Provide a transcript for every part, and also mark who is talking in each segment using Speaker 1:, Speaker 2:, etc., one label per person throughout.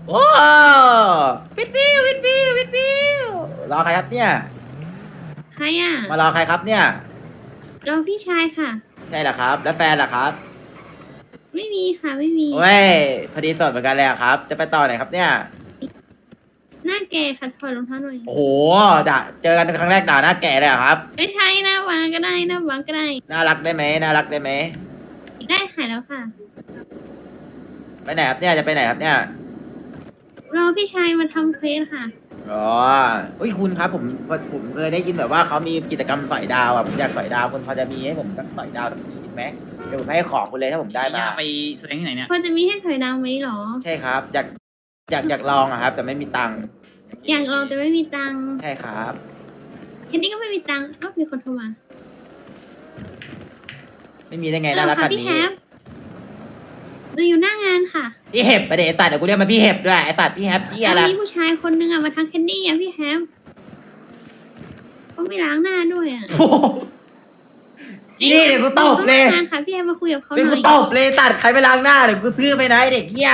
Speaker 1: โอ้วิดวิววิดวิววิดวิวรอใครครับเนี่ย
Speaker 2: ใครอ่ะ
Speaker 1: มารอใครครับเนี่ย
Speaker 2: รอพี่ชายค่ะ
Speaker 1: ใช่เหรอครับ แล้วแฟนล่ะครับ
Speaker 2: ไม่มีค่ะไม่มี
Speaker 1: โอ้ยพอดีสดเหมือนกันเลยอะครับ จะไปต่อไหนครับเนี่ย
Speaker 2: หน้าแก่ค่ะถอดรองเท้าหน่อย
Speaker 1: โอ้โหด่าเจอกันครั้งแรกด่าหน้าแก่เลยเหรอครับ
Speaker 2: ไม่ใช่หน้าวางก็ได้หน้าวางก็ได้
Speaker 1: น่ารักได้ไหมน่ารักได้ไหม
Speaker 2: ได้ค่ะแล้วค่ะ
Speaker 1: ไปไหนครับเนี่ยจะไปไหนครับเนี่ย
Speaker 2: รอพี่ชายมาทำเควสค่ะ
Speaker 1: อ๋ออุ้ยคุณครับผมเคยได้ยินแบบว่าเขามีกิจกรรมสอยดาวอ่ะผมอยากสอยดาวคุณพอจะมีให้ผมสักสอยดาวสักทีไหมเดี๋ยวผมให้ของคุณเลยถ้าผมได้มา
Speaker 3: ไปแสดงที่ไหนเนี่ย
Speaker 2: พอจะมีให้ถอยดาวไหมหรอ
Speaker 1: ใช่ครับอยากลองอะครับ แต่ไม่มีตังค์
Speaker 2: อยากลองแต่ไม่มีตังค์
Speaker 1: ใช่ครับ
Speaker 2: แคนดี้ก็ไม่มีตังค์ก็มีคนโทรมา
Speaker 1: ไม่มีได้ไงน่ารักขนาด
Speaker 2: พี่
Speaker 1: นี้
Speaker 2: แฮปดูอยู่หน้างานค่ะ
Speaker 1: พี่เห็บไปเดี๋ยวไอสัตว์เดี๋ยวกูเรียกมาพี่เห็บด้วยไอสัตว์พี่แฮปพี่อะไร
Speaker 2: มีผู้ชายคนนึงอ่ะมาทางแคนดี้อ่ะพี่แฮปเขาไม่ล้างหน้าด้วยอ่ะ
Speaker 1: โอ้โหอีนี่เดี๋ยวกูตบเลย
Speaker 2: หน้างานค่ะพี่แฮปมาคุยกับเขาห
Speaker 1: เดี๋ยว
Speaker 2: น่
Speaker 1: กู
Speaker 2: อย
Speaker 1: ตบเลยตัดใครไปล้างหน้าเดี๋ยวกูซื้อไปไหนเด็กเหี้ย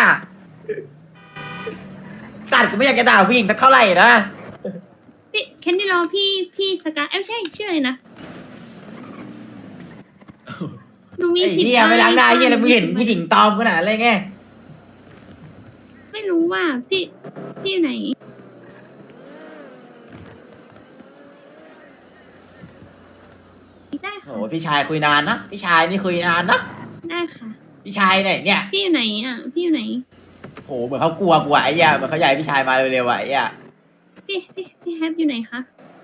Speaker 1: ตัดกูไม่อยากจะด่าผู้หญิงสักเท่าไหร่นะ
Speaker 2: พี่แคนดี้รอพี่สกายไม่ใช่ชื่ออะไรนะหนูมี
Speaker 1: ไอ้
Speaker 2: สิทธิ์
Speaker 1: เหี้ยไม่ล้างหน้าเหี้ยแล้วมึงเห็นผู้หญิงตอมขนาดอะไรไง
Speaker 2: ไม่รู้ว่าพี่อยู่ไหนได้
Speaker 1: โอ้
Speaker 2: ค่ะ
Speaker 1: โหพี่ชายคุยนานนะพี่ชายนี่คุยนานนะ
Speaker 2: ได้ค่ะ
Speaker 1: พี่ชายเนี่ย
Speaker 2: พี่อยู่ไหนอ่ะพี่อยู่ไหน
Speaker 1: โหเหมือนเขากลัวไอ้เหี้ยเหมือนเขาอยากให้พี่ชายมาเร็วๆไอ้เหี้ย
Speaker 2: พี่แฮปอยู่ไหนคะ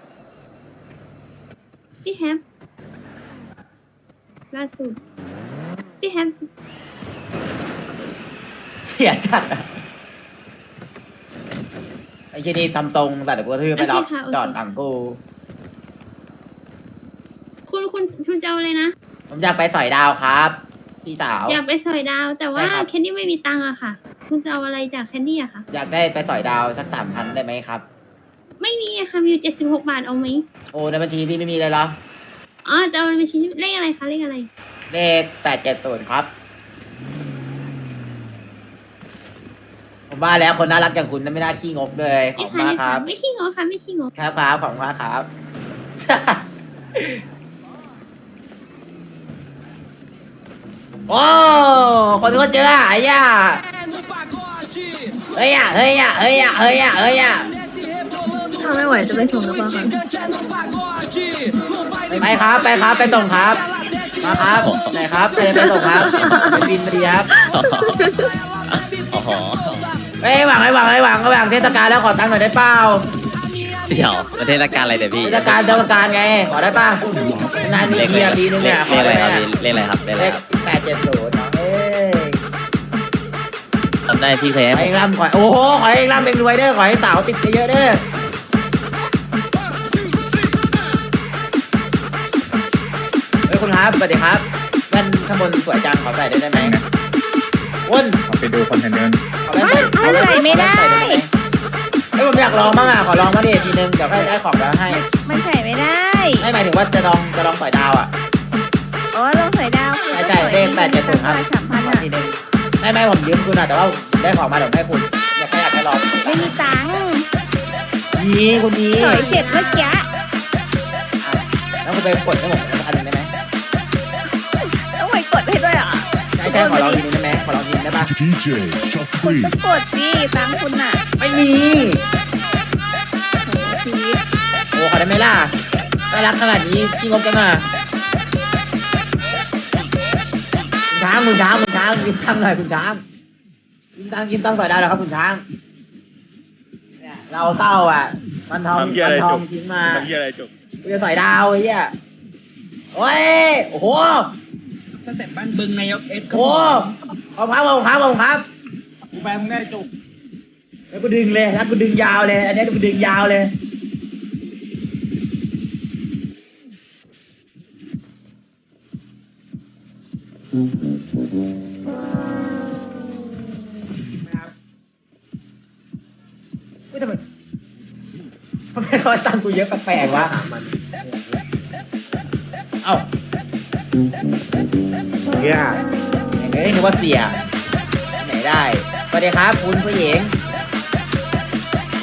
Speaker 2: พี่แฮปล่าสุดพี่แฮป
Speaker 1: เสียจัดอะไอ้เหี้ยนี่ซัมซุงแต่เดี๋ยวกูกระทืบไม่ล็อกจอดหลังกู
Speaker 2: คุณจะเอาอะไรนะ
Speaker 1: ผมอยากไปสอยดาวครับ พี่สาว
Speaker 2: อยากไปสอยดาว แต่ว่า
Speaker 1: ใช่ครับ
Speaker 2: แคนดี้ไม่มีตังค์อะค่ะ คุณจะเอาอะไรจากแคนดี้อะค่ะ
Speaker 1: อยากได้ไปสอยดาวสัก3,000ได้ไหมครับ
Speaker 2: ไม่มีอะค่ะมีอยู่76 บาทเอาไหม
Speaker 1: โอ้ในบัญชีพี่ไม่มีเลยเหรอ
Speaker 2: อ๋อจะเอาไปชิ้นเลขอะไรคะเลขอะไร
Speaker 1: เลข870ครับ ผมว่าแล้วคนน่ารักอย่างคุณน่ะไม่น่าขี้งกเลยขอบคุณมากครับ
Speaker 2: ไม่ขี้งอค่ะไม่ขี้งอ
Speaker 1: ครับขอบคุณมากครับ โอ้คนก็เจอไอ้ย่าเฮ้ยอ่ะเฮ้ยอ่ะเฮ้ยอ่ะเฮ้ยอ่ะเฮ้ยอ่ะ
Speaker 4: ถ้าไม่ไหวจะไปส่งหรือเปล่าคะ
Speaker 1: ไปครับไปครับไปส่งครับมาครับไหนครับไปส่งครับไปบินมาดีครับ
Speaker 3: อ๋อ
Speaker 1: เฮ้ยหวังเทศกาลแล้วขอตังค์หน่อยได้เปล่า
Speaker 3: เดี๋ยวประเทศการอะไรเดี๋ยวพี่
Speaker 1: เทศกาลไงขอได้ป่ะนานมีเทียปีนึงเนี่ยข
Speaker 3: เล
Speaker 1: อ
Speaker 3: ขอะไร
Speaker 1: ได้
Speaker 3: ครับ
Speaker 1: ไหม
Speaker 3: พี่เลขอะไรครับเลขอะไร
Speaker 1: เลข
Speaker 3: ครับ
Speaker 1: 870เอ้ย
Speaker 3: ทำได้พี่เคย
Speaker 1: ขอ
Speaker 3: ให้
Speaker 1: เองร่ำขอโอ้โหขอเองร่ำเองรวยเด้อขอให้สาวติดเยอะๆเด้อเฮ้ยคุณครับสวัสดีครับแว่นข้างบนสวยจังขอใส่ได้ไหมวุ้น
Speaker 5: เอาไปดูคอนเทนเนอร์
Speaker 1: ขอแว่นใส่ไม่ได้เฮ้ยผมอยากลองบ้างอ่ะขอลองมาดิทีนึงเดี๋ยวค่อยได้ของแล้วให้
Speaker 4: มันใส่ไม่ได้
Speaker 1: ไม่หมายถึงว่าจะลองสอยดาวอ่ะ
Speaker 4: อ๋อลงสวยดาว
Speaker 1: ใช่เลข870ครับ
Speaker 4: 3,000
Speaker 1: ขอ
Speaker 4: อ่ะ
Speaker 1: ทีนึงไม่ผมยืมคุณอ่ะแต่ว่าได้ของมาเดี๋ยวให้คุณอยากให้ลอง
Speaker 4: ไม่มีตังค์
Speaker 1: นี่คุณนี่
Speaker 4: ถอยเสร็จเมื่อกี้
Speaker 1: แล้วคุณไปกดให้ผมอันนึงได้ไหม
Speaker 4: ต้องไปกดให้ด้วยเหรอ
Speaker 1: ใช่ขอลองทีนึงได้ไหมขอลองทีนึงได้ป่ะ
Speaker 6: DJ Chuck
Speaker 4: คุณ
Speaker 6: Free.
Speaker 4: ก็กดสิตังค์คุณอ่ะ
Speaker 1: ไม่มี
Speaker 4: โหชีวิต
Speaker 1: โอ้ขอได้ไหมล่ะน่ารักขนาดนี้ขี้งกจังอ่ะคุณช้างกินตังหน่อยคุณช้างกินตังต่อยได้แล้วครับคุณช้างเนี่ยเราเศร้าอ่ะมันทองทิ้งมา
Speaker 5: ทำเหี้ยอะไรจบ
Speaker 1: กูจะต่อยดาวไอ้เหี้ยโอ้ยโอ้โห
Speaker 3: ตั้งแต่บ้านบึงนายกเอส
Speaker 1: โอ้ขอบครับ
Speaker 3: กูไปมึงได้จุก
Speaker 1: แล้วกูดึงเลยแล้วกูดึงยาวเลย อันนี้กูดึงยาวเลยไม่ทำไมเขาตั้งกูเยอะแปลกๆวะเอ้าเฮียอย่างนี้นึกว่าเสียไหนได้สวัสดีครับคุณผู้หญิง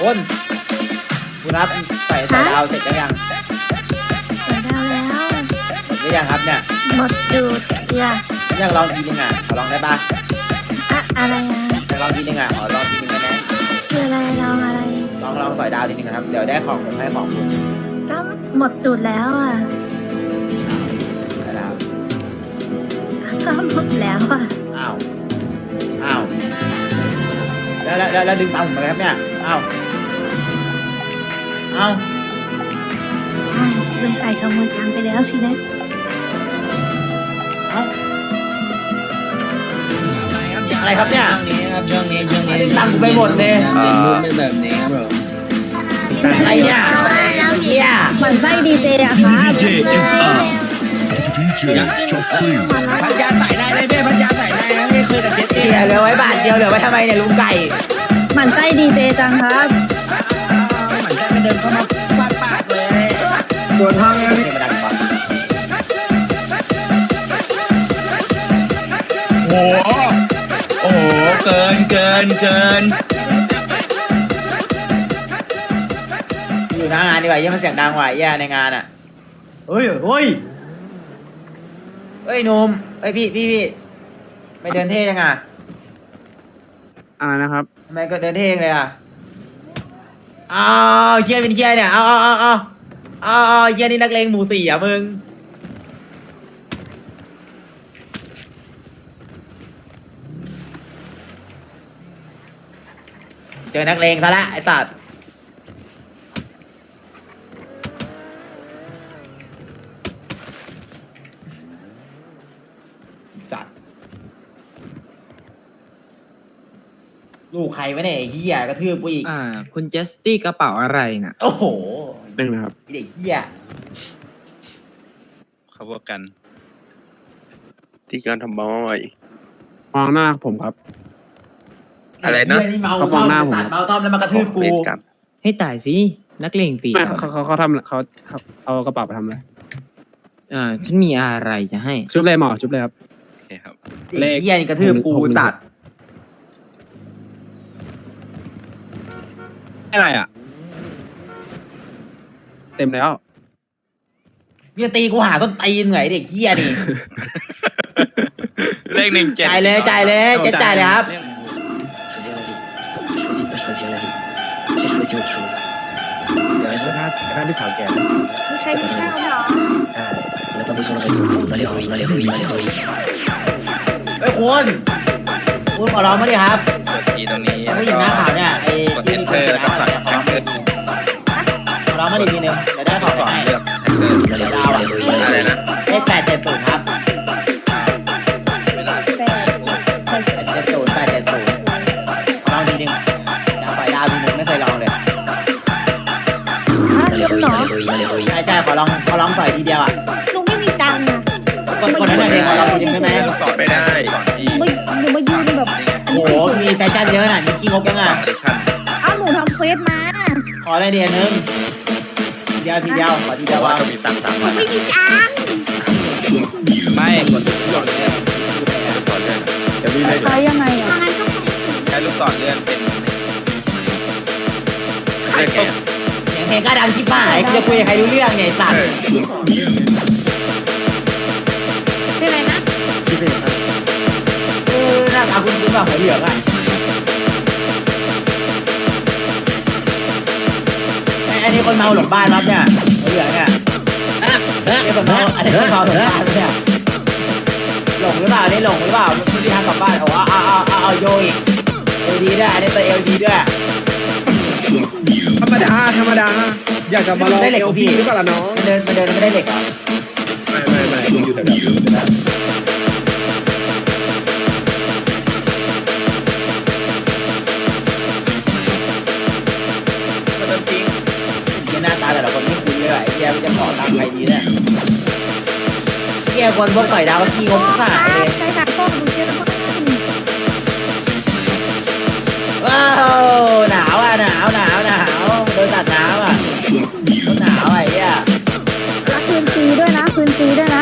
Speaker 1: คุณครับใส่ดาวเสร็จยัง
Speaker 2: เปิดดาวแล้ว
Speaker 1: หรือยังครับเนี่ย
Speaker 2: หมดดูดเกลือ
Speaker 1: อยากลองทีนึงอ่ะขอลองได้ปะ
Speaker 2: อะอะไรอะ
Speaker 1: อยากลองทีนึงอ่ะขอลองทีนึงได้ไหม
Speaker 2: คืออะไรลองอะไร
Speaker 1: ลองใส่ดาวทีนึงนะครับเดี๋ยวได้ของผมให้ของคุณ
Speaker 2: ก็หมดดูดแล้วอ่ะ
Speaker 1: ได้แล้ว
Speaker 2: ก็หมดแล้วอ่ะ
Speaker 1: อ้าวแล้วดึงตังค์ผมไปครับเนี่ยอ้าว
Speaker 2: ใช่ลุงไก่ขโมยตังค์ไปแล้วสินะ
Speaker 1: อะไรครับเนี่ย
Speaker 3: ช่วงนี้
Speaker 1: ตังค์ไปหมดเลย
Speaker 3: เป็นแบบนี้ครับผม
Speaker 1: อะไรเนี่ยเฮีย
Speaker 4: เหมือนไส้ดีเจอะค่ะ
Speaker 3: พันยาใส่ได้เลยพี่พันยาใส่ได้นะพี่คือแต่เจ็ด
Speaker 1: เฮียเหลือไว้บาทเดียวเหลือไว้ทำไมเนี่ยลุงไก่
Speaker 4: เหมือนไส้ดีเจจังครับ
Speaker 3: เหมือนจะไม่เดินเข้ามาฟาดปากเลย
Speaker 1: โดนห้องแล้วนี่มาดังก่อน
Speaker 3: โอ้โหเกิน
Speaker 1: อยู่หน้างานดีกว่าเยี่ยมันเสียงดังว่ะแย่ในงานอ่ะเฮ้ยหนุ่มพี่ไม่เดินเท่ยังอ่ะ
Speaker 5: นะครับ
Speaker 1: ทำไมก็เดินเท่งเลยอ่ะเฮียเป็นเฮียเนี่ยเฮียนี่นักเลงหมู่สี่อ่ะมึงเจอนักเลงซะละไอ้สัตว์ลูกใครวะเนี่ยไอ้เฮียกระทืบกูอีก
Speaker 6: คุณเจสตี้กระเป๋าอะไรน่ะ
Speaker 1: โอ้โห
Speaker 5: เป็นนะครับ
Speaker 1: ไอ้เด็กเฮีย
Speaker 7: เขาบอกกัน
Speaker 5: ที่การทำบ้าใหม่มองหน้าผมครับ
Speaker 6: อะไรนะ
Speaker 1: เหี้ยเมา
Speaker 5: เขามองหน้าผม
Speaker 1: เมาต้อมแล้วมากระทืบกู
Speaker 5: เล่นกัน
Speaker 6: ให้ตายสิ นักเลงตี
Speaker 5: ไม่เขาทำเขาเอากระเป๋าไปทำอะไร
Speaker 6: ฉันมีอะไรจะให้
Speaker 5: ชุบเลยหมอชุบเลยครับ
Speaker 7: โอเคครับ
Speaker 1: ไอ้เฮียนี่กระทืบกู
Speaker 5: ผม
Speaker 1: สัตว์
Speaker 5: อะไรอ่ะ เต็มแล้ว
Speaker 1: มึงจะตีกูหาต้นตีนไงไอ้เด็กเฮียนี่
Speaker 7: เลข17
Speaker 1: จ่ายเลยจ่ายเลยครับ
Speaker 5: ถ้าพี่สาวแก่
Speaker 4: มีใครมีข้าวเหรอ
Speaker 1: เฮ้ยคุณขอร้องมาดิครับ
Speaker 7: กดทีตรงนี้
Speaker 1: ผู้หญิงหน้าขาวเนี่ยไอ้
Speaker 7: กด
Speaker 1: ที่
Speaker 7: enter แล้วก็สั่ง
Speaker 1: ขอร้อง
Speaker 7: enter
Speaker 1: ขอร้องมาดิทีนึงจะได้ขอ
Speaker 7: ก่อน
Speaker 1: ให้
Speaker 7: เลือก enter
Speaker 1: ดาวอ่ะ
Speaker 7: อะไรนะ
Speaker 1: เลข870ครับ
Speaker 7: เวลา
Speaker 1: 870ขอลองทีนึงจะปล่อยดาวทีนึงไม่เคยลองเลย
Speaker 4: ลุงเหรอ
Speaker 1: ใช่ขอลองปล่อยทีเดียวอ่ะ
Speaker 4: ลุงไม่มีตังค์อะ
Speaker 1: กดให้หน่อยเดียวขอลองทีนึงได้ไหม
Speaker 7: สอนไม่ได้สอนที่
Speaker 4: หนูมายืนแบบ
Speaker 1: โอ้โหมีแฟชั่นเยอะน่ะนี่ขี้งกยังอ่ะ
Speaker 7: ออดิชั่น
Speaker 4: เอ้าหนูทำเควสมา
Speaker 1: ขอได้เดียวนึงทีเดียวขอทีเดียว
Speaker 7: ว่า
Speaker 1: ว่า
Speaker 7: จะมีตังค์3 วัน
Speaker 4: ไม่มีตังค์
Speaker 7: ไม่กดลูกศรเลื่อนจะมีเลย
Speaker 4: ใช้ยังไงอะ
Speaker 7: ใช้ลูกศรเลื่อนเป็นเลข
Speaker 1: เสียงเพลงก็ดังชิบหายจะคุยกับใครรู้เรื่องเนี่ยสัตว์
Speaker 4: ชื่ออะไรนะ
Speaker 1: หน้าตาคุณคุณแบบหัวเหลืองอ่ะอันนี้คนเมาหลงบ้านครับเนี่ยหัวเหลืองเนี่ยนี่คนเมาอันนี้คนเมาหลงบ้านเนี่ยหลงหรือเปล่านี่หลงหรือเปล่าไม่มีทางกลับบ้านเอาโยอีกเอลดีด้วยอันนี้ตัวเอลดีด้วย
Speaker 5: ธรรมดา อยากจะมาลอง
Speaker 1: ได้เหล็ก
Speaker 5: เอลพีหรือเปล่าล่ะน้อง
Speaker 1: มันเดินไม่ได้เหล็กเหรอ
Speaker 5: ไม่อยู่แต่แบบ
Speaker 7: ก็เริ่มจริง
Speaker 1: ที่หน้าตาแต่ละคนไม่คุ้นเลยไอ้เหี้ยจะขอตังค์ใครดีเนี่ยเหี้ยคนพวกต่อยดาวก็ขี้งกสายเลย
Speaker 4: ใช้ตังค์ก็ดูเชื่อแล้วมั้ง
Speaker 1: ว้าวหนาวอ่ะหนาวโดนตัดหนาวอ่ะหนาวไอ้เหี้ย
Speaker 4: รักคืนฟรีด้วยนะคืนฟรีด้วยนะ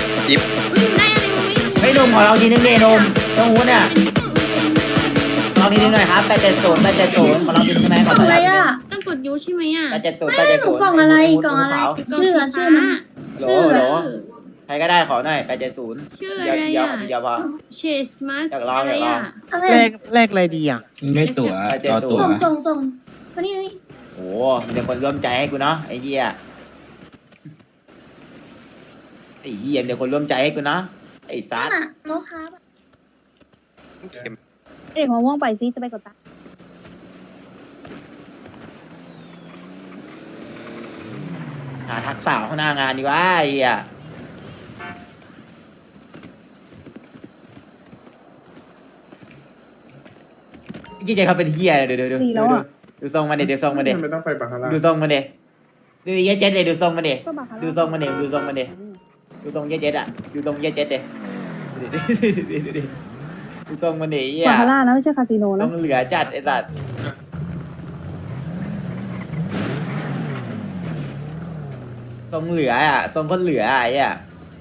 Speaker 2: ได้อะไรมาไม่รู้
Speaker 1: ไม่นมขอเราทีนึงเดนมต้องหูเนี่ยลองทีนึงหน่อยครับ870ขอลองดูใช่ไหมขอ
Speaker 4: อะไรอ่ะ
Speaker 2: ต้องกดยูใช่ไหมอ่ะ
Speaker 1: 870
Speaker 4: ไม่หนูกล่องอะไรกล่องอะไร ชื่อมัน
Speaker 1: โหลใครก็ได้ขอหน่อย870
Speaker 2: ชื่อ
Speaker 1: เดี
Speaker 2: อะ
Speaker 1: ยว
Speaker 2: ไร
Speaker 1: เดียว
Speaker 2: อ่ะ
Speaker 1: เดียวพอ
Speaker 2: เชสมาส
Speaker 1: อยากลอง
Speaker 2: อะไร
Speaker 1: อยากลอง
Speaker 2: อ่ะ
Speaker 4: อะไร
Speaker 3: เลขอะไรดีอ่ะ
Speaker 7: ไม่ตั๋วต่อตั๋ว
Speaker 4: ส่งมานี่นี่
Speaker 1: โอ้มีแต่คนร่วมใจให้กูเนาะไอ้เหี้ยเดี๋ยวคนร่วมใจให้กูเนาะไอ้ซั
Speaker 4: นั่
Speaker 1: ด
Speaker 4: นน่ะโน้ตครับ
Speaker 5: เข็ม
Speaker 4: เด็กหัวม่วงไปซิจะไปกดตังค์
Speaker 1: หาทักษะข้างหน้างานดีว่าไอ้เหี้ยยี่เจเขาเป็นเหี้ยเดี๋ยวดูทรงมันเดี๋ยวทรงมันเดี๋ยว
Speaker 5: ไม่ต้องไปบาคาร่า
Speaker 1: ดูทรงมันเดี๋ยวดูเหี้ยเจ็ดเลยดูทรงมันเดี๋ยว
Speaker 4: ก็บาคาร่า
Speaker 1: ดูทรงมันเดี๋ยวดูทรงมันเดี๋ยวดูทรงเหี้ยเจ็ดอ่ะดูทรงเหี้ยเจ็ดเดี๋ยวดูทรงมันเดี๋ยวเหี้ย
Speaker 4: บาคาร่านะไม่ใช่คาสิโน
Speaker 1: ทร
Speaker 4: นะ
Speaker 1: งเหลือจัดไอ้สัตว์ทรงเหลืออ่ะทรงคนเหลือไอ้อ่ะ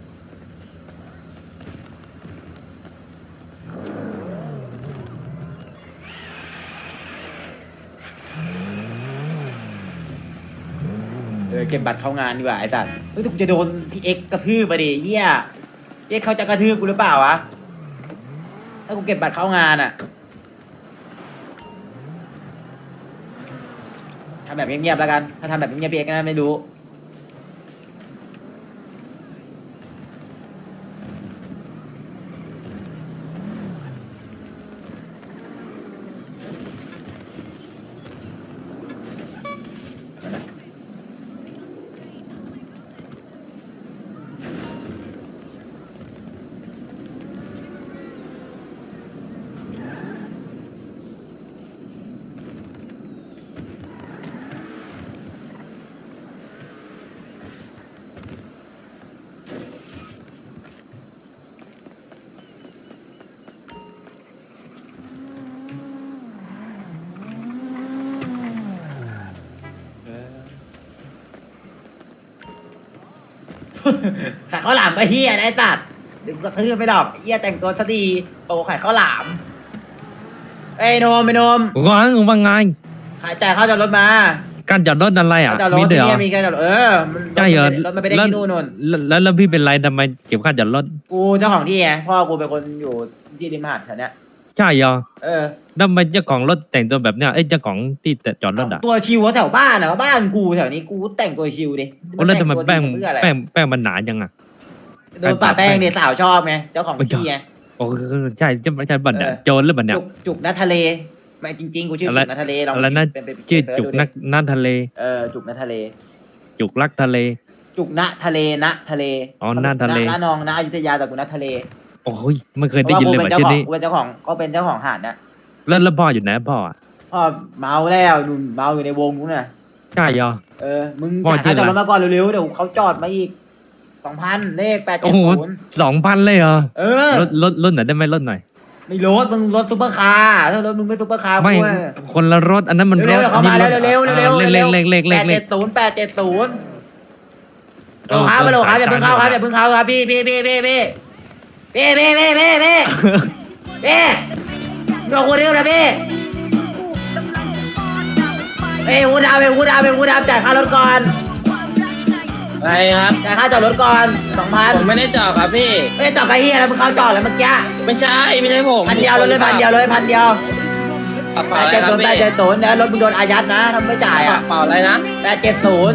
Speaker 1: เก็บบัตรเข้างานดีกว่าไอ้สัตว์เฮ้ยแต่กูจะโดนพี่เอ็กซ์กระทืบไปดิเฮียพี่เอ็กซ์เขาจะกระทืบกูหรือเปล่าวะถ้ากูเก็บบัตรเข้างานอ่ะทำแบบเงียบๆแล้วกันถ้าทำแบบเงียบๆพี่เอ็กซ์ก็น่าไม่รู้ขายข้าวหลามไปเฮียนะไอ้สัตว์เดี๋ยวกูกระทืบไปดอกเฮียแต่งตัวซะดีโตขายข้าวหลามไอ้ยโนมไอ้โนม
Speaker 6: กูก็งงว่าไง
Speaker 1: ขายจ่ายข้าวจอดรถมา
Speaker 6: การจอดรถอะไรอ่ะ
Speaker 1: ข้าวจอดร
Speaker 6: มี
Speaker 1: ถ
Speaker 6: เดี๋ยว
Speaker 1: ที่นี่มีแค่จอดรถมัน
Speaker 6: ใช่เหรอ
Speaker 1: รถมันไปได้ที่นู่นนน
Speaker 6: แล้วพี่เป็นไรทำไมเก็บค่าจอดรถ
Speaker 1: กูเจ้าของที่ไงพ่อกูเป็นคนอยู่ที่ริมหาดแถวเนี้ย
Speaker 6: ใช่เหรอ
Speaker 1: เออ
Speaker 6: แล้วทำไมเจ้าของรถแต่งตัวแบบเนี้ยเอ้ยเจ้าของที่จอดรถอ่ะ
Speaker 1: ตัวชิวแถวบ้านอ่ะบ้านกูแถวนี้กูแต่งตัวชิวดิ
Speaker 6: โอ้แล้วทำไม
Speaker 1: ต่งตัว
Speaker 6: แป้ง
Speaker 1: เพื่ออะไร
Speaker 6: แป้งมันหนาจังอ่ะ
Speaker 1: โดนป่าแป้งเนี่ยสาวชอบไงเจ้าของที่ไง
Speaker 6: โอ้ใช่ใช่บัตรเนี่ย
Speaker 1: เออ
Speaker 6: โจรหรือบัตรเนี่ย
Speaker 1: จุกนัททะเลไม่จริงๆกูชื่อ
Speaker 6: อะไร
Speaker 1: จุกนัททะเลลอง
Speaker 6: อะไรนะ
Speaker 1: เป็น
Speaker 6: ชื่อ
Speaker 1: เสิร์ช
Speaker 6: จุก
Speaker 1: ดูดิ
Speaker 6: นักทะเล
Speaker 1: จุกนัททะเล
Speaker 6: จุกรักทะเล
Speaker 1: จุกณทะเลณทะเล
Speaker 6: อ๋อณทะเล
Speaker 1: ณนองณอยุธยาแต่กูณทะเล
Speaker 6: โอ้ยไม่เคยได้ยินเลย
Speaker 1: พราะ
Speaker 6: ว่า
Speaker 1: ว่า
Speaker 6: ชื่อนี้
Speaker 1: กูเป็นเจ้าของก็เป็นเจ้าของหาดนะ
Speaker 6: แล้วพ่ออยู่ไหนพ่ออ่ะ
Speaker 1: พ่อเมาแล้วนุ่นเมาอยู่ในวงนู้นน่ะ
Speaker 6: ใช่เหรอ
Speaker 1: มึง
Speaker 6: พ่อ
Speaker 1: จ่าย
Speaker 6: ชื่
Speaker 1: ค่า
Speaker 6: อ อะไร
Speaker 1: จอดรถมาก่อนเร็วๆเดี๋ยวเขาจอดมาอีก2,000เลข
Speaker 6: โอ้โห
Speaker 1: 870
Speaker 6: 2,000เลยเหรอ รถไหนได้ไหมรถหน่อย
Speaker 1: ไม่รถมึงรถซุปเปอร์คาร์ถ้ารถมึงไม่ซุปเปอร์คาร์
Speaker 6: ไม่
Speaker 1: กูอะ
Speaker 6: คนละรถอันนั้นมันร
Speaker 1: เร็ว
Speaker 6: ถ
Speaker 1: ๆเขามาแล้วเร็วๆเร็วๆ
Speaker 6: เล
Speaker 1: เร็
Speaker 6: ข
Speaker 1: ว
Speaker 6: เลข
Speaker 1: 870โลครับโลครับอย่าเพิ่งเข้าครับอย่าเพิ่งเข้าครับพี่โดนกูเร็วนะพี่วูดาวจ่ายค่ารถก่อน
Speaker 8: อะไรครับ
Speaker 1: จ่ายค่าจอดรถก่อน 2,000
Speaker 8: ผมไม่ได้จอดครับพี่
Speaker 1: ไม่ได้จอดกับเฮียแล้วมึงเข้าจอดแล้วเมื่อกี้
Speaker 8: ไม่ใช่ผม
Speaker 1: 1,000เดียวเลย1,000เดียวเลย1,000เดียว
Speaker 8: กระเป๋าอะไรครับพี่
Speaker 1: 870นะรถมึงโดนอายัดนะถ้าไม่จ่าย
Speaker 8: ก
Speaker 1: อ่ะ
Speaker 8: ระเป๋าอะไรนะ
Speaker 1: 870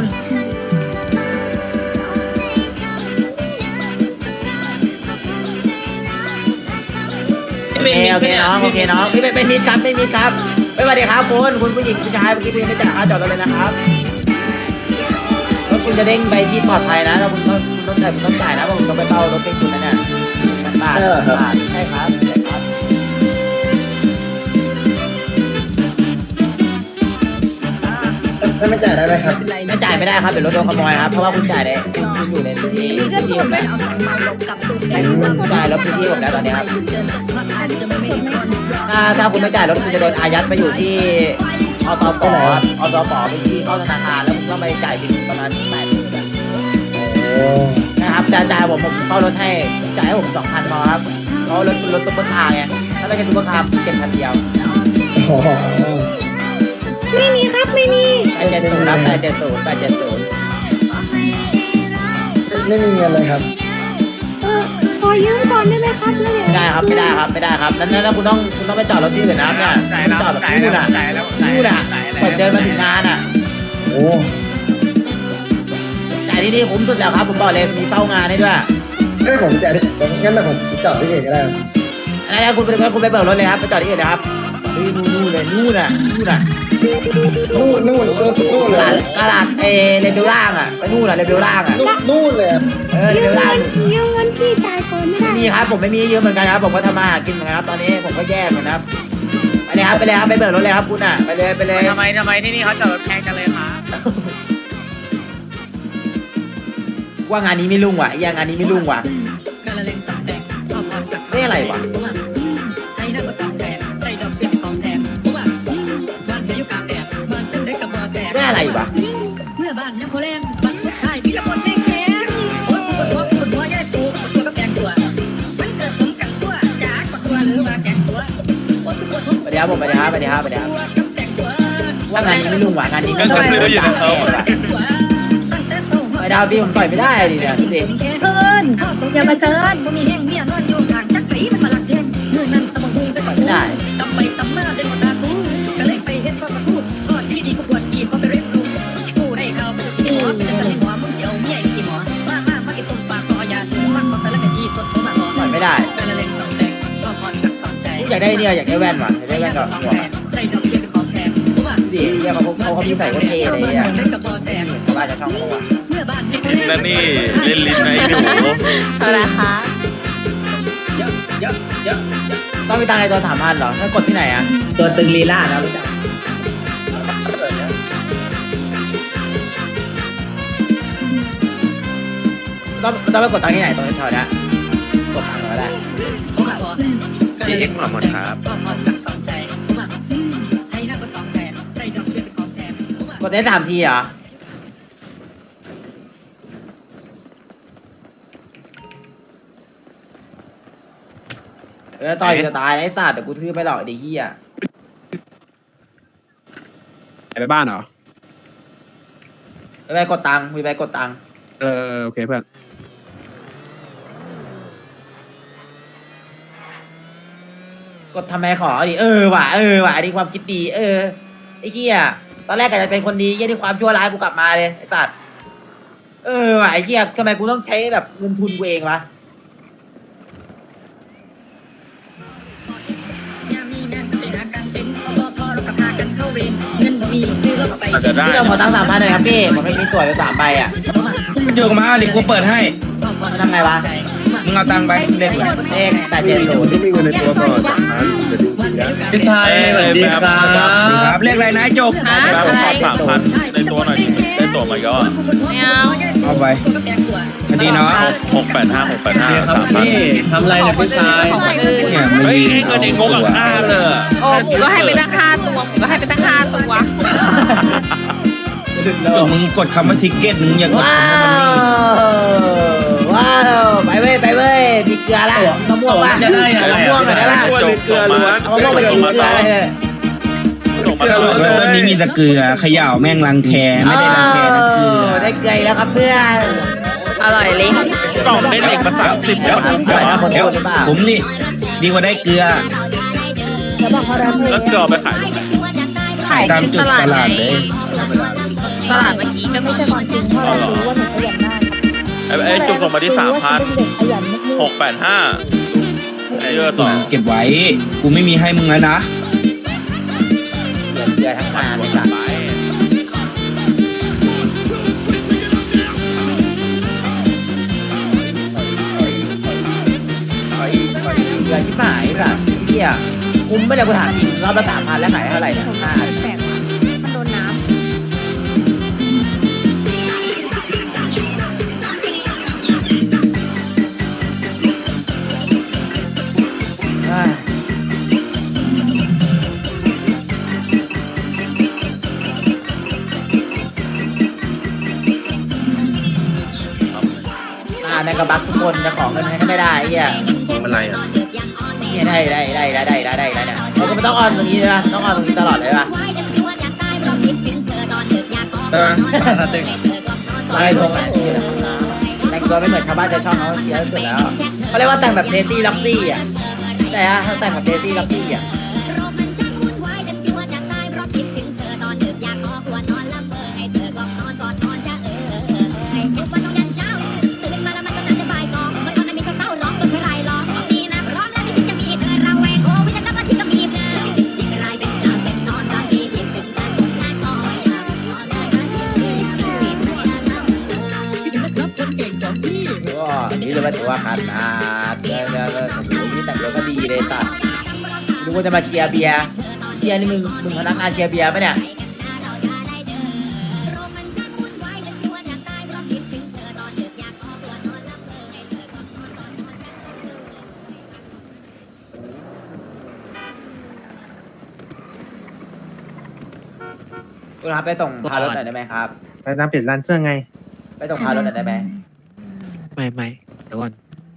Speaker 1: โอเคน้องพี่เป็นมิตรครับไม่สวัสดีครับคุณผู้หญิงผู้ชายเมื่อกี้คุณยังไม่จ่ายค่าจอดรถเลยนะครับรถคุณจะเด้งไปที่ปลอดภัยนะแล้วคุณต้องจ่ายนะเพราะผมต้องไปเป้ารถเด้งคุณนะเนี่ยบาทใช่ครับไม่จ่ายได้ไหมครับไม่จ่ายไม่ได้ครับเดี๋ยวรถโดนขโมยครับเพราะว่าคุณจ่ายได้คุณอยู่ในที่ผมแล้วจ่ายรถพื้นที่ผมแล้วตอนนี้ครับถ้าคุณไม่จ่ายรถคุณจะโดนอายัดไปอยู่ที่อตปไปที่เข้าธนาคารแล้วต้องไปจ่ายบิลประมาณ8,000นะครับจ่ายผมเข้ารถให้จ่ายให้ผม 2,000พอครับเพราะรถซุปเปอร์คาร์ไงถ้าไม่ใช่ซุปเปอร์คาร์เก็บ1,000เดียว
Speaker 2: ไม่มีครับไม่มี
Speaker 1: 870ครับ870
Speaker 3: ไม่มีเงินเลยครับ
Speaker 2: ขอยืมก่อนได้ไหมครับแล้วเดี๋ยว
Speaker 1: ไม่ได้ครับไม่ได้ครับนั้นคุณต้องไปจอดรถที่อื่นนะครับเนี่ยจอดรถที่นู่นน่ะเปิดเดินมาถึงงานอ่ะ
Speaker 3: โอ้
Speaker 1: แต่ที่นี่คุ้มสุดแล้วครับผมบอกเลยมีเฝ้างานให้ด้วย
Speaker 3: ไม่ผมจะงั้นแบบผมจอดที่อื่นก็ได้
Speaker 1: อะไรนะคุณไปเบิกรถเลยครับไปจอดที่อื่นนะครับนู่นเลยนู่นน่ะ
Speaker 3: นู่นเลย
Speaker 1: ตลาดเลเวลล่างอ่ะไปนู่นน่ะเลเวลล่างอ่ะ
Speaker 3: นู่นเลย
Speaker 1: เลเวลล่าง
Speaker 2: ยืมเงินพี่จ่ายก่อนไม่ได้
Speaker 1: มีครับผมไม่มีเยอะเหมือนกันครับผมก็ทำมาหากินเหมือนกันครับตอนนี้ผมก็แย่เหมือนกันครับไปเลยครับไปเบิกรถเลยครับคุณอ่ะไปเลย
Speaker 7: ทำไมที่นี่เขาจอดรถแพงจังเลยครับ
Speaker 1: ว่างานนี้ไม่รุ่งว่ะงานนี้ไม่รุ่งว่ะนี่อะไรวะนี่อะไรวะ
Speaker 9: เมื่อบ้านยังโคแรงบัดสุดท้ายพี่ละคนแดงแข็งโอ้ตัวตัวใหญ่ตัวตัวก็แกงตัวมันเกิดสมกันตัวจ๋ากว่าตัวหรือว่าแกงตัวโอ้ตัวตัว
Speaker 1: ไปเดี๋ยวผมไปเดี๋ยวครับ
Speaker 9: ตัวกับแกงตัว
Speaker 1: ว่างานนี้ไม่รุ่งว่ะงานนี้ไม่รุ่ง
Speaker 9: แกงตัวตั้งแต่โต
Speaker 1: ไปดาวพี่ผมต่อยไม่ได้ดิเนี่ยพี่เด็ก
Speaker 2: เชิญอย่ามาเชิญ
Speaker 9: บ่มีแห้งเมียนอนอยู่ทางจักไผมันมาลักแทงเมื่อนั้นตะบังหูจะ
Speaker 1: ต่อยไม่ได้
Speaker 9: ตำไปตำมาเดินมาตากูก็เลยไปเฮ็ดก็มาพูดก่อนที่ดีก็ปวดกีบก็ไปเรียนรู้กูได้เข้าไปที่หมอเป็นจะให้หมอมึงสิเอาเมียกี่หมอมากินต้มปลาคอยาสูงมากก็แต่ละกะจีสดมาหมอ
Speaker 1: ต่อยไม่ได้
Speaker 9: เป็นเล่นสองแดงก็พอสักสองใจ
Speaker 1: อยากได้เนี่ยอยากได้แว่นว่ะอยากได้แว่นกับหัว
Speaker 9: ใจดอกเบี้ยเป็นของแถมกูว่า
Speaker 1: พี่เด็กเนี่ยเขามีใส่ก็เท่เลยอ่ะ
Speaker 9: ได้กับบอแถม
Speaker 1: ชาวบ้านจะช่องเขาอ่ะ
Speaker 9: เมื่อบ้านยัง
Speaker 7: แล้วนี่เล่นลิ้นไหมหนู
Speaker 2: อะไรคะ
Speaker 1: ต้องมีตังค์ในตัว3,000เหรอถ้ากดที่ไหนอ่ะ
Speaker 3: ตัวตึงลีลานะรู้จัก
Speaker 1: ต้องไปกดตังค์ที่ไหนตรงแถวนี้กดตังค์ก็ได้
Speaker 9: กูว่าบอ
Speaker 7: ที่เอ็กซ์มาหมดครับ
Speaker 9: ก็พอสักสองใจกูว่าให้นั่งก็สองแถมใจดอกเบี้ยเป็นของแถมกูว่าก
Speaker 1: ดได้3 ทีเหรอต่อยจะตายไอ้สัตว์เดี๋ยวกูทื่อไปหรอกไอ้เหี้ย
Speaker 5: ไปบ้านเหรอ
Speaker 1: ไปกดตังค์ไปกดตังค์
Speaker 5: โอเคเพื่อน
Speaker 1: กดทำไมขอดิว่ะอันนี้ความคิดดีไอ้เหี้ยตอนแรกก็จะเป็นคนดีเหี้ยที่ความชั่วร้ายกูกลับมาเลยไอ้สัตว์ว่ะไอ้เหี้ยทำไมกูต้องใช้แบบเงินทุนกูเองวะ
Speaker 9: ยามมีนั่นไปหากันเป็นพอเรากับพากันเข้าเวรเงินบ่มีซื้อเราก็ไป
Speaker 7: อาจจะได้
Speaker 1: พี่ต้องขอตังค์3,000เลยครับพี่ผมไม่มีตั๋วอยู่3 ใบอ่ะ
Speaker 3: โยกมาดิกูเปิดให้
Speaker 1: ทำไงวะ
Speaker 3: มึงเอาตังค์ไปเลขอะไร
Speaker 1: เลข870
Speaker 5: ที่มีเงินในตัวก่อนจะดูสินะ
Speaker 3: พี่ชายสวัสดีครับเลขอะไรนะจบ
Speaker 7: แล้วขอ3,000ในตัวหน่อยดิได้ตัวมาก็
Speaker 2: ไม่เอา
Speaker 3: เอาไปคดีเนาะ
Speaker 7: 685 3,000
Speaker 3: ทำอะไรเนี่ยพี่ชายเนี่ย
Speaker 7: เฮ้ยให้เงินเองงกับข้าเลย
Speaker 2: โอ้หมูก็ให้ไปตั้ง5 ตัวหมูก็ให้ไปตั้ง5 ตัว
Speaker 3: ก็มึงกดคำว่าทิกเก็ตมึงอย่ากด
Speaker 1: ว้า
Speaker 3: คำว่ามันนี่
Speaker 1: วไปเว้ยมีเกลือละมะม่วงป่ะมะม่วงหน่อยได้ป่ะ
Speaker 7: เกลือล้วน
Speaker 1: เอามะม่วงไปกินเกลือเลย
Speaker 7: ส่งมา
Speaker 3: วันนี้มีแต่เกลือเขย่าแม่งรังแคไม่ได้รังแคนะเกลือ
Speaker 1: ได้เกลือแล้วครับเพื่อน
Speaker 2: อร่อยเลย
Speaker 7: กล่องได้เด็กมา30แล้ว
Speaker 1: เดี๋ยวหรือเปล่า
Speaker 3: ผมนี่ดีกว่าได้เกลือ
Speaker 7: แล้วจะเอาไปขายตรงไหน
Speaker 2: ขาย
Speaker 3: ตาม
Speaker 2: ที่
Speaker 3: จุด
Speaker 2: ตลาด
Speaker 3: ตลาดเลย
Speaker 2: ตลาดเมื่อกี้ก็ไม่ใช่ความจริง
Speaker 7: อ๋อเหรอไอ้จุกส่งมาที่3,000 685ไอ้เยอะต่อ
Speaker 3: เก็บไว้กูไม่มีให้มึงแล้วนะ
Speaker 1: เกลือทั้งงานเลยจ้ะ
Speaker 7: ไป
Speaker 1: เกลือที่หายจ้ะเหี้ยคุ้มไม่ได้กูถามจริงรอบละ3,000แล้วขายเท่าไหร่เนี่ย
Speaker 2: แปลกว่ะมันโดนน้ำ
Speaker 1: ในกระบักทุกคนจะขอเงินให้ก็ไม่ได้ไอ้เหี้ย
Speaker 5: อะไรอ่ะ
Speaker 1: เนี่ยได้เนี่ยเราก็ไม่ต้องออนตรงนี้ใช่ปะต้องออนตรงนี้ตลอดเลยปะ
Speaker 8: ถ้าตึง
Speaker 1: อะไรทงอ่ะแต่งตัวไม่เหมือนชาวบ้านชาวช่องเขาเสียสุดแล้วเขาเรียกว่าแต่งแบบเดซี่ล็อกซี่อ่ะแต่ถ้าแต่งแบบเดซี่ล็อกซี่อ่ะนี่จะมาถือว่าขนาดนี่แต่งตัวก็ดีเลยสัตว์ดูว่าจะมาเชียร์เบียร์นี่มึงพนักงานเชียร์เบียร์ปะเนี่ยคุณครับไปส่งพารถหน่อยได้ไหมครับ
Speaker 3: ไปน้ำเปลี่ยนร้านเสื้อไง
Speaker 1: ไปส่งพารถหน่อยได้ไหม
Speaker 6: ไม่เดี๋ยวก่อน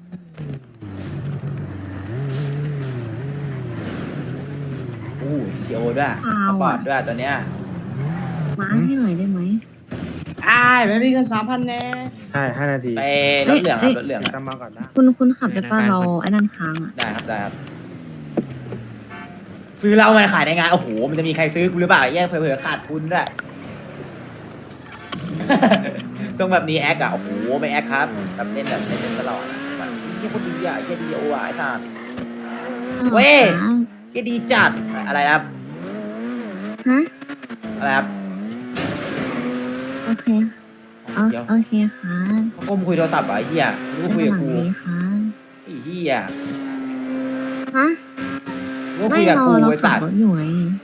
Speaker 1: อู้ดีโอด้วยสปอร์ตด้วยตัวเนี้ย
Speaker 2: มาให้หน่อยได้ไหม
Speaker 3: ไม่มีเงิน3,000แน่ใช่5 นาที
Speaker 1: ไปรถเหลืองครับรถเหลือง
Speaker 3: กำมาก่อนนะ
Speaker 2: คุณขับได้ป่ะเราไอ้นั่นค้างอ่ะ
Speaker 1: ได้ครับซื้อเหล้ามาขายในงานโอ้โหมันจะมีใครซื้อกูหรือเปล่าแย่เผื่อขาดทุนด้วย ทรงแบบนี้แอคอะโอ้โหไม่แอคครับแบบเล่นตลอดแบบนี่คนดีอะแค่ดีโออะไอ้สัส เว้ย แค่ดีจัดอะไรครับ
Speaker 2: ฮะ
Speaker 1: อะไรครับ
Speaker 2: โอเค
Speaker 1: เดี๋ยว
Speaker 2: โอเคค่ะ
Speaker 1: เขาก้มคุยโทรศัพท์เหรอไอ้เหี้ยรู้ว่าคุยกับกู
Speaker 2: ดีค่ะ
Speaker 1: ไอ้เหี้ย
Speaker 2: ฮะ
Speaker 1: รู้ว่า
Speaker 2: ไม่
Speaker 1: คุยกับ
Speaker 2: เรา
Speaker 1: กู
Speaker 2: เรา
Speaker 1: ไอ้
Speaker 2: ขั
Speaker 1: สั
Speaker 2: บ
Speaker 1: ส
Speaker 2: รถอยู่ไง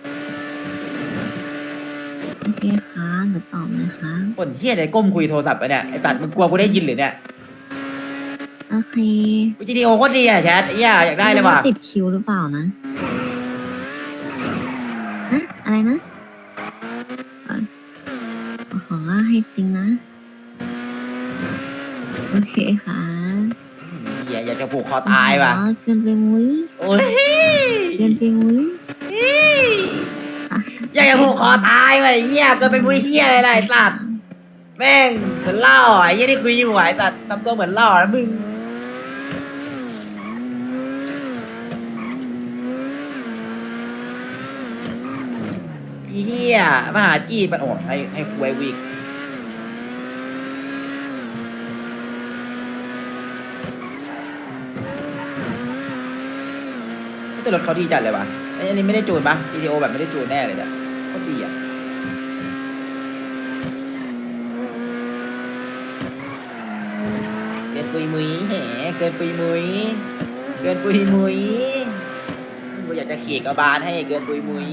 Speaker 2: โอเคค่ะเดี๋ยวตอบเลยค่ะ
Speaker 1: คนเหี้ยไหนก้มคุยโทรศัพท์ไปเนี่ยไอ้สัสมึงกลัวกูได้ยินหรือเนี่ย
Speaker 2: โอเค
Speaker 1: วิดีโอโคตรดีอะแชทไอ้เหี้ยอยากได้เลยว่ะ
Speaker 2: ติดคิวหรือเปล่านะฮะอะไรนะขอให้จริงนะ โอเคค่ะ
Speaker 1: เหี้ยอยากจะผูกคอตายว่ะ
Speaker 2: อ๋อเกินไปมุ้ย
Speaker 1: โอ้ย
Speaker 2: เกินไปมุ้ย
Speaker 1: อยากจะผูกคอตายว่ะไอ้เหี้ยเกินไปมุ้ยเหี้ยอะไรไอ้สัตว์แม่งเหมือนเหล่าอ่ะไอ้เหี้ยที่คุยอยู่อ่ะไอ้สัตว์ทำตัวเหมือนเหล่านะมึงไอ้เหี้ยมาหาจี้ปันโอดให้คุยวิกแต่รถเขาดีจัดเลยว่ะไอ้อันนี้ไม่ได้จูนปะวิดีโอแบบไม่ได้จูนแน่เลยเนี่ยโคตรดีอ่ะเกินปุยมุยแหเกินปุยมุยเกินปุยมุยกูอยากจะขี่กระบาลให้เกินปุยมุย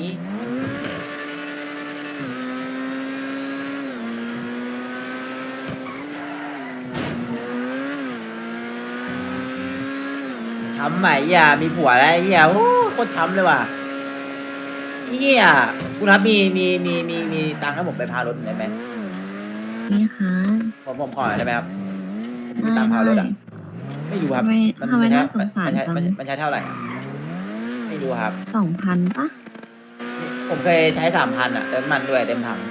Speaker 1: ช้ำไหมอ่ะมีผัวแล้วไอ้เหี้ยโอ้โคตรช้ำเลยว่ะไอ้เหี้ยคุณครับมีตังค์ให้ผมไปพารถหน่อยได้ไหม
Speaker 2: นี่ค่ะ
Speaker 1: ผมขอหน่อยได้ไหมครับมี
Speaker 2: ได้
Speaker 1: ตังค์พารถ
Speaker 2: ได้
Speaker 1: อ่ะไม่รู้ครับ
Speaker 2: ทำไมน่าสงสาร
Speaker 1: มันใช้
Speaker 2: จัง
Speaker 1: มันใช้เท่าไหร่อะไม่รู้ครับ
Speaker 2: 2,000ปะ
Speaker 1: ผมเคยใช้3,000อ่ะเติมมันด้วยเต็มถัง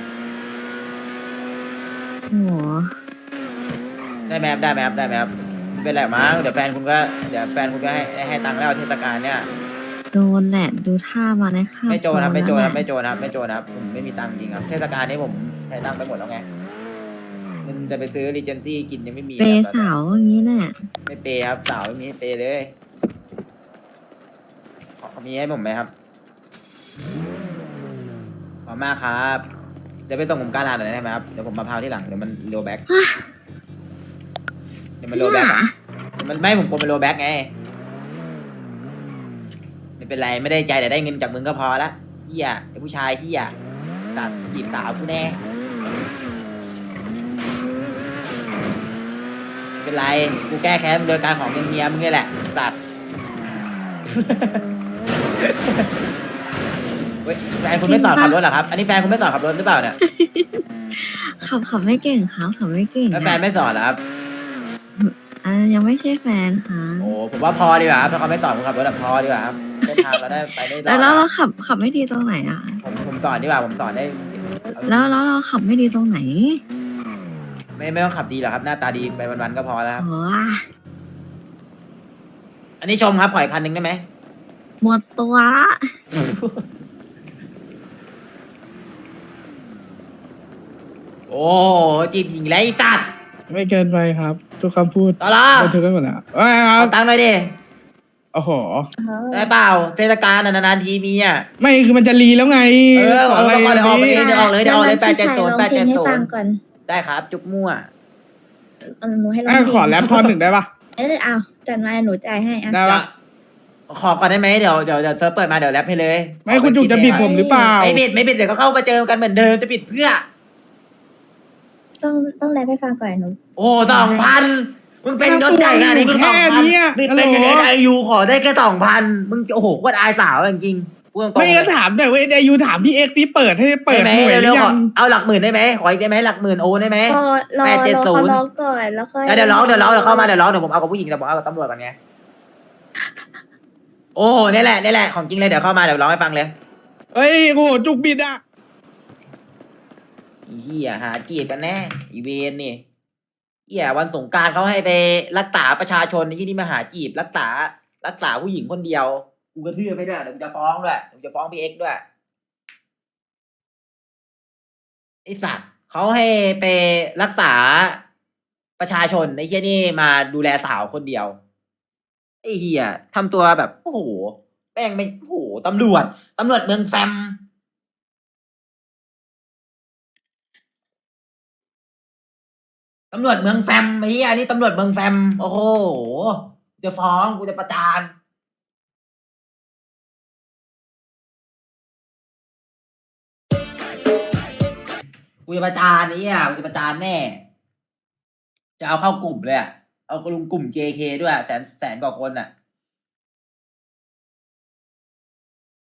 Speaker 2: โหัว
Speaker 1: ได้ไหมครับได้ไหมครับได้ไหมครับไม่เป็นไรมั้งเดี๋ยวแฟนคุณก็ให้ตังค์แล้วเทศกาลเนี่ย
Speaker 2: โจรแหละดูท่ามาในข้าว
Speaker 1: ไม่โจรครับไม่โจรครับ
Speaker 2: แล้วแหละ
Speaker 1: ไม่โจรครับไม่โจรครับผมไม่มีตังค์จริงครับเทศกาลนี้ผมใช้ตังค์ไปหมดแล้วไงเงินจะไปซื้อรีเจนซี่กินยังไม่มี
Speaker 2: เป
Speaker 1: ครับ
Speaker 2: ย์สาวอย่างนี้แหละ
Speaker 1: ไม่เปย์ครับสาวไม่มีให้เปย์เลยมีให้ผมไหมครับขอบมากครับเดี๋ยวไปส่งผมการลาหน่อยได้ไหมครับเดี๋ยวผมมาพาวที่หลังเดี๋ยวมันโลแบ็กเดี๋ยวมันโลแบ็กอะมันไม่ผมกลัวมันโลแบ็กไงไม่เป็นไรไม่ได้ใจแต่ได้เงินจากมึงก็พอละเฮียไอ้ผู้ชายเฮียตัดจีบสาวกูแน่ไม่เป็นไรกูแก้แค้นโดยการของเงินเมียมึงนี่แหละสัตว์ เฮ้ยแฟนคุณไม่สอนขับรถเหรอครับ อันนี้แฟนคุณไม่สอนขับรถหรือเปล่าเนี่ย
Speaker 2: ขับไม่เก่งครับขับไม่เก่ง
Speaker 1: แล้วแฟนไม่สอนเหรอครับ
Speaker 2: ยังไม่ใช่แฟนค่ะ
Speaker 1: โอ้ผมว่าพอดีกว่าครับถ้าเขาไม่สอนผมขับรถอะพอดีกว่าครับเส้นทางเราได้ไปได้รอด
Speaker 2: แล้วเราขับไม่ดีตรงไหนอ่ะ
Speaker 1: ผมสอนดีกว่าผมสอนได้
Speaker 2: แล้วเราขับไม่ดีตรงไหน
Speaker 1: ไม่ต้องขับดีหรอกครับหน้าตาดีไปวันๆก็พอแล้วครับ
Speaker 2: โอ้
Speaker 1: อันนี้ชมครับปล่อย1,000ได้ไหม
Speaker 2: หมดตัวละ
Speaker 1: โอ้จีบหญิงไรสัตว์
Speaker 3: ไม่เกินไปครับ ทุกคำพูด
Speaker 1: ต่อละ
Speaker 3: บันทึกไว้หมดแล้วว่าไงครั
Speaker 1: เอา
Speaker 3: บ
Speaker 1: ตังค์หน่อยดิ
Speaker 3: โอ้โห
Speaker 1: ได้เปล่าเทศกาลนานๆทีมีอ่ะ
Speaker 3: ไม่คือมันจะรีแล้วไง
Speaker 1: ขอเดี๋ยวออกไปเองเดี๋ยวออกเลย870
Speaker 4: ให้ฟังก่อน
Speaker 1: ได้ครับจุกมั่ว
Speaker 4: หนูให้ร้อง
Speaker 3: อ่ะขอแรปท่อนหนึ่งได้ปะ
Speaker 4: เอาจัดมาหนูจ่ายให้อ่ะ
Speaker 3: ได้ปะ
Speaker 1: ขอก่อนได้ไหมเดี๋ยวเซิร์ฟเปิดมาเดี๋ยวแรปให้เลย
Speaker 3: ไม่คุณจุกจะบิดผมหรือเปล่า
Speaker 1: ไม่บิดเดี๋ยวก็เข้ามาเจอกันเหมือนเดิมจะบิดเพื่อ
Speaker 4: ต้องแรปให้ฟังก่อนหนู
Speaker 1: โอ้2,000มึงเป็นยศใหญ่ขนาดนี้มึง
Speaker 3: แค่เนี้ย
Speaker 1: 2,000นี่เป็นยังไงอายุขอได้แค่2,000มึงโอ้โหโคตรอายสาวจริงๆพูดตรงๆ
Speaker 3: ไม่ก็ถามหน่อยว่าไอ้ยูถามพี่เอ็กซ์ที่เปิดให้เปิด
Speaker 1: ได้ไหม
Speaker 3: หน่วยหรื
Speaker 1: เร็ว
Speaker 3: อ
Speaker 1: ๆข
Speaker 3: ยั
Speaker 1: อง เอาหลักหมื่นได้ไหมขออีกได้ไหมหลักหมื่นโอได้ไหม
Speaker 4: รอเขาร้องก่อนแล้วค่อย
Speaker 1: เดี๋ยวร้องเดี๋ยวเข้ามาเดี๋ยวผมเอากับผู้หญิงแต่ผมเอากับตำรวจก่อนไงโอ้นี่แหละของจริงเลยเดี๋ยวเข้ามาเดี๋ยวร้องให้ฟังเลย
Speaker 3: เฮ้ยโอ้โหจุกบิดอ่ะ
Speaker 1: อีเหี้ยหาจีบกันแน่อีเวนนี่เหี้ยวันสงกรารเขาให้ไปรักษาประชาชนที่นี่มาหาจีบรักษาผู้หญิงคนเดียวกูกระทืบไปด้วยเดี๋ยวกูจะฟ้องด้วยเดี๋ยวกูจะฟ้องพี่เอ็กซ์ด้วยไอสัตว์เขาให้ไปรักษาประชาชนไอ้เหี้ยนี่มาดูแลสาวคนเดียวไอ้เหี้ยทำตัวแบบโอ้โหแม่งไม่โอ้โหตำรวจเมืองแฟมตำรวจเมืองแฟมไอ้เหี้ยนี่ตำรวจเมืองแฟมโอ้โหจะฟ้องกูจะประจานกูจะประจานนี่อ่ะกูจะประจานแน่ จะเอาเข้ากลุ่มเลยอ่ะเอาลุงกลุ่ม JK ด้วยแสนกว่าคนอ่ะ